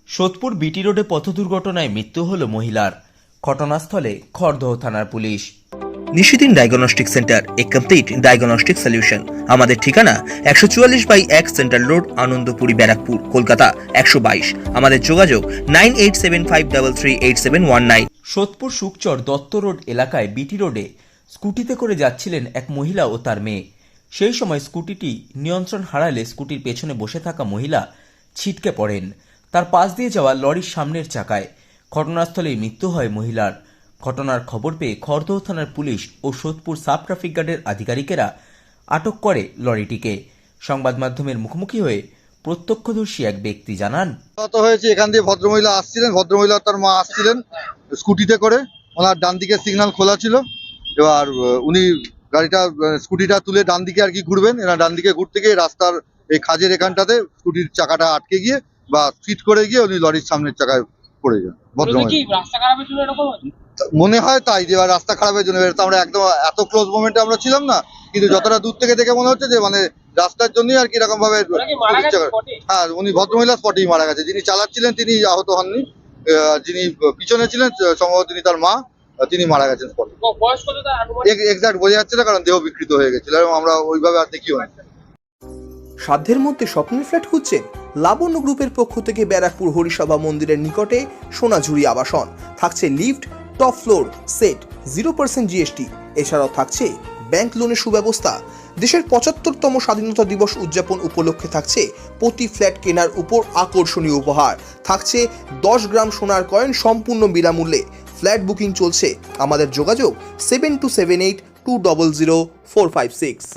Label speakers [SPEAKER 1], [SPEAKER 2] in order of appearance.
[SPEAKER 1] সোদপুর বিটি রোডে পথ দুর্ঘটনায় মৃত্যু হল মহিলার। ঘটনাস্থলে খড়দহ থানার পুলিশ।
[SPEAKER 2] Nishidin diagnostic centre, a complete diagnostic solution. আমাদের ঠিকানা 144/1 সেন্ট্রাল রোড, আনন্দপুরি, ব্যারাকপুর, কলকাতা 122। আমাদের যোগাযোগ 9875338719।
[SPEAKER 1] সোদপুর শুকচর দত্ত রোড এলাকায় বিটি রোডে স্কুটিতে করে যাচ্ছিলেন এক মহিলা ও তার মেয়ে। সেই সময় স্কুটিটি নিয়ন্ত্রণ হারালে স্কুটির পেছনে বসে থাকা মহিলা ছিটকে পড়েন তার পাশ দিয়ে যাওয়া লরির সামনের চাকায়। ঘটনাস্থলেই মৃত্যু হয় মহিলার। ঘটনার খবর পেয়ে খড়দহ থানার পুলিশ ও সোদপুর সাব ট্রাফিক গার্ডের আধিকারিকেরা আটক করে লরিটিকে। সংবাদ মাধ্যমের মুখোমুখি হয়ে প্রত্যক্ষদর্শী এক ব্যক্তি জানান,
[SPEAKER 3] হয়েছে এখান দিয়ে ভদ্রমহিলা আসছিলেন, ভদ্রমহিলা তার মা আসছিলেন স্কুটিতে করে। ওনার ডান দিকে সিগন্যাল খোলা ছিল। এবার উনি গাড়িটা স্কুটিটা তুলে ডান দিকে আর কি ঘুরবেন, এনার ডান দিকে ঘুরতে গিয়ে রাস্তার এই খাজের এখানটাতে স্কুটির চাকাটা আটকে গিয়ে বা ফিট করে গিয়ে উনি লরির সামনের চাকায় পড়ে যান। মনে হয় তাই, যে রাস্তা খারাপের জন্য। আমরা একদম এত ক্লোজ মোমেন্টে আমরা ছিলাম না, কিন্তু যতটা দূর থেকে দেখে মনে হচ্ছে যে মানে রাস্তার জন্যই আর কি এরকম ভাবে। হ্যাঁ, উনি ভদ্রমহিলা স্পটেই মারা গেছে। যিনি চালাচ্ছিলেন তিনি আহত হননি, যিনি পিছনে ছিলেন সম্ভবত তিনি তার মা, তিনি মারা গেছেন স্পটে। এক্সাক্ট বোঝা যাচ্ছে না, কারণ দেহ বিকৃত হয়ে গেছিল এবং আমরা ওইভাবে আর দেখিও না।
[SPEAKER 2] সাধ্যের মধ্যে স্বপ্নের ফ্ল্যাট খুঁজছেন? লাবণ্য গ্রুপের পক্ষ থেকে ব্যারাকপুর হরিসভা মন্দিরের নিকটে সোনাঝুরি আবাসন। থাকছে lift, top floor, set, 0% GST. এছাড়াও থাকছে ব্যাংক লোনের সুব্যবস্থা। দেশের 75তম স্বাধীনতা দিবস উদযাপন উপলক্ষে থাকছে প্রতি ফ্ল্যাট কেনার উপর আকর্ষণীয় উপহার। থাকছে 10 গ্রাম সোনার কয়েন সম্পূর্ণ বিনামূল্যে। ফ্ল্যাট বুকিং চলছে। আমাদের যোগাযোগ 7278200456।